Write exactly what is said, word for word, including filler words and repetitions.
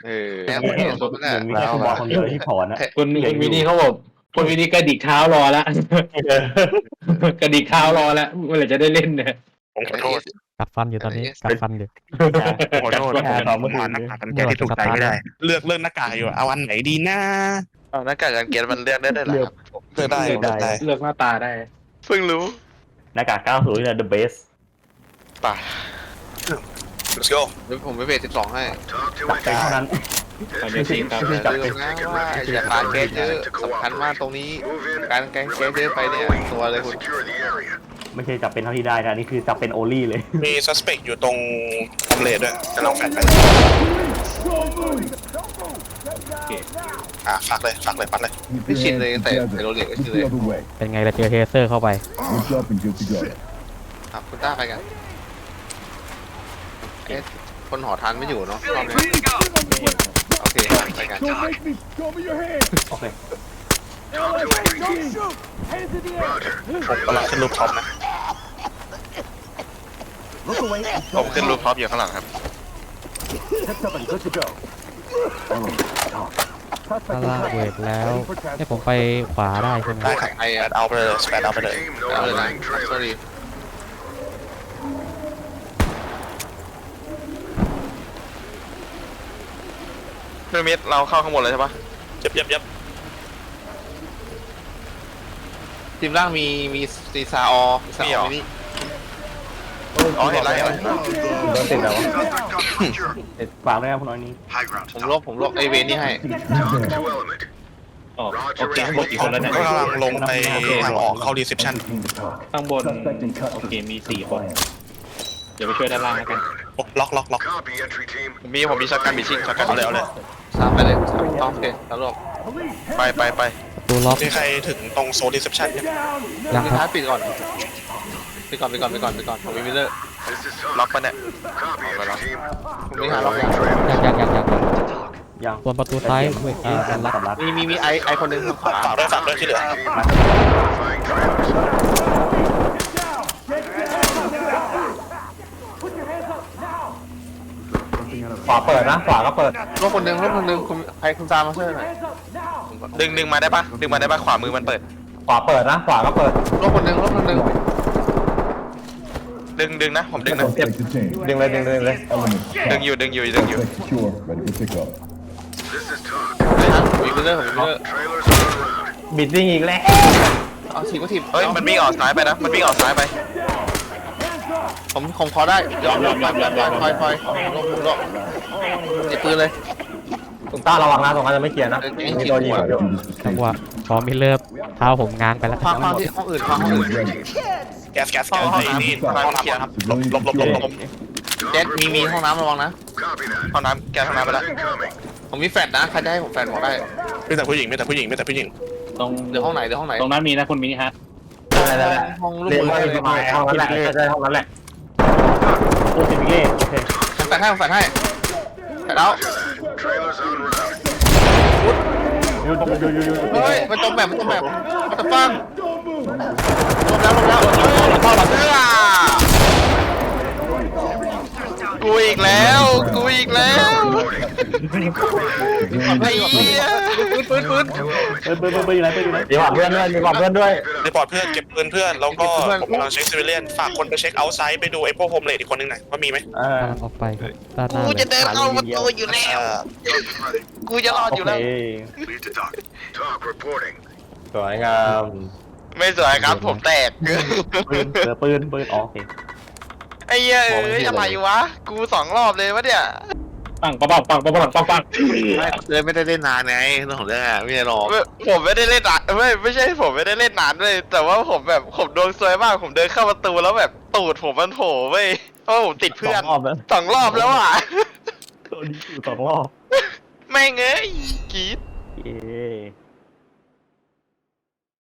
เออแล้วคนสมน่ะมีแค่คุณบอลคนเดียวที่ถอนนะคนคนวินี่เขาบอกคนวินี่กระดิกเท้ารอแล้วกระดิกเท้ารอแล้วเมื่อไหร่จะได้เล่นเนี่ยผมขอโทษกัดฟันอยู่ตอนนี้กัดฟันอยู่ผมขอโทษผมหาหน้ากากกันแก้ที่ถูกใจไม่ได้ เลือกเลือกหน้ากากอยู่เอาอันไหนดีนะเอาหน้ากากกันเกณฑ์มันเลือกได้ด้วยเหรอครับเลือกได้เลือกได้เลือกหน้าตาได้เพิ่งรู้หน้ากากเก้าสิบเนี่ย the best ป่ะ let's go เดี๋ยวผมไปเบสสิบสองให้จับใจเท่านั้นตอนนี้จริงครับไม่อใช่ย่าลืมนะว่าอย่าปาเกสเยอะสำคัญมากตรงนี้การแกงเกสเยอะไปเนี่ยตัวเลยคุณไม่ใช่จับเป็นเท่าที่ได้นะนี่คือจับเป็นโอลี่เลยมี suspect อยู่ตรงคอมเลดด้วยจะลองแฟนไปอ่ะฝากเลยฝากเลยปัดเลยไม่ชินเลยตั้งแต่ในโรเล็กก็ชินเลยเป็นไงล่ะเจอเทเซอร์เข้าไปครับคุณต้าไปกันเอ๊ะคนหอทานไม่อยู่เนาะรอบนี้โอเคไปกันโอเคผมกำลังขึ้นรูปท็อปนะผมขึ้นรูปท็อปอยู่ข้างหลังครับถ้าล่างเวทแล้วให้ผมไปขวาได้ใช่ไหมได้ครับไอ้แปดเอาไปเลยแปดเอาไปเลยเอาเลยนะ sorry พีระมิดเราเข้าข้างบนเลยใช่ปะยับยับยับทีมล่างมีมีซีซาออซาออมินิอ๋อเห็นแล้วเห็นแล้วโดนติดแล้วเด็ดฝากด้วยนะคุณน้อยนี้ผมลบผมลบไอเวนนี่ให้ออกโอเคข้างบนกี่คนแล้วเนี่ยก็กำลังลงไปทางออกเข้า reception ข้างบนโอเคมีสี่คนเดี๋ยวไปช่วยด้านล่างแล้วกันโอ้ล็อกล็อกล็อกผมมีผมมีช็อตกันมีชิงช็อตกันเอาเลยเอาเลยสามไปเลยสามโอเคสามลบไปไปไปประตูล็อกมีใครถึงตรงโซน reception เนี่ยยังทีคท้ารัยบปิดก่อนปิดก่อนปิดก่อนปิดก่อนปิดก่อนผมมีมิลเลอร์ล็อกปะเนี่ยผมมีหาล็อกยังยังยังยังยังยังยังส่วนประตูซ้ายเวทเออมันล็อกสำรับมีมีมีไอไอคนหนึ่งทางขวาฝากด้วยฝากด้วยที่เหลือขวาเปิดนะขวาก็เปิดรถคนหนึ่งรถคนหนึ่งคุณไอคุณตามมาช่วยหน่อยดึงดึงมาได้ปะดึงมาได้ปะขวามือมันเปิดขวาเปิดนะขวาก็เปิดรถคนหนึ่งรถคนหนึ่งดึงดึงนะผมดึงนะดึงเลยดึงเลยเลยดึงอยู่ดึงอยู่ดึงอยู่นะผมมีมิลเลอร์ผมมีมิลเลอร์บิดวิ่งอีกแล้วเอาถีบก็ถีบเฮ้ยมันวิ่งออกซ้ายไปนะมันวิ่งออกซ้ายไปผมผมขอได้ยอมยอมยอมยอมยอมคอยคอยลงลงไอปืนเลยตุงต้าระวังนะตรงนั้นจะไม่เคลียร์นะมีตัวยิงอยู่จังหวะพอมิลเลอร์เท้าผมง้างไปแล้วฟังฟังที่ห้องอื่นฟังห้องอื่นแก๊สแก๊สแก๊สไอ้นี่ห้องน้ำครับหลบหลบหลบหลบหลบเจ็ดมีมีห้องน้ำระวังนะห้องน้ำแกห้องน้ำไปแล้วผมมีแฟลชนะใครจะให้ผมแฟลชบอกได้ไม่แต่ผู้หญิงไม่แต่ผู้หญิงไม่แต่ผู้หญิงตรงเดี๋ยวห้องไหนเดี๋ยวห้องไหนตรงนั้นมีนะคุณมินิฮะห้องลูกเรียนมือว่าเลยจะมาห้องนั้นแหละใช่ห้องนั้นแหละโอ้สิบเก้โอเคผมแฟลชให้ผมแฟลชให้แฟลชแล้วยูยูยูยูยูเฮ้ยมันจมแบบมันจมแบบมันจะฟังลงแล้วลงแล้วเฮ้ยพอหลับเอื้อกูอีกแล้วกูอีกแล้วไอ้เหี้ยปืนปืนปืนเปิดเปิดเปิดอยู่ไหนเปิดอยู่ไหนมีความเพื่อนด้วยมีความเพื่อนด้วยรีพอร์ตเพื่อนเก็บปืนเพื่อนแล้วก็ผมกำลังเช็คซิเวเลียนฝากคนไปเช็คเอาท์ไซด์ไปดูไอ้พวกโฮมเลดอีกคนนึงหน่อยว่ามีไหมอ่ากำลังออกไปครับด้านหน้ากูเลจะยเดินเข้าประตูอยู่แล้วเอ่อกูจะรอดอยู่แล้วสวยงามไม่สวยครับผมแตกปืนเจอปืนปืนอ๋อโอเคไอ้เหี้ยเอ้ยอะไรวะกูสองรอบเลยวะเนี่ยปังปังปังปังปังปังปังปังเลยไม่ได้เล่นนานไงเรื่องของเรื่องอะไม่ได้หรอกไม่ผมไม่ได้เล่นนานไม่ไม่ใช่ผมไม่ได้เล่นนานเลยแต่ว่าผมแบบผมดวงซวยมากผมเดินเข้าประตูแล้วแบบตูดผมมันโผล่เว้ยเพราะผมติดเพื่อนสองรอบแล้วสองรอบแล้วอ่ะตัวนี้อยู่สองรอบแม่งเอ้ยกรีดเย้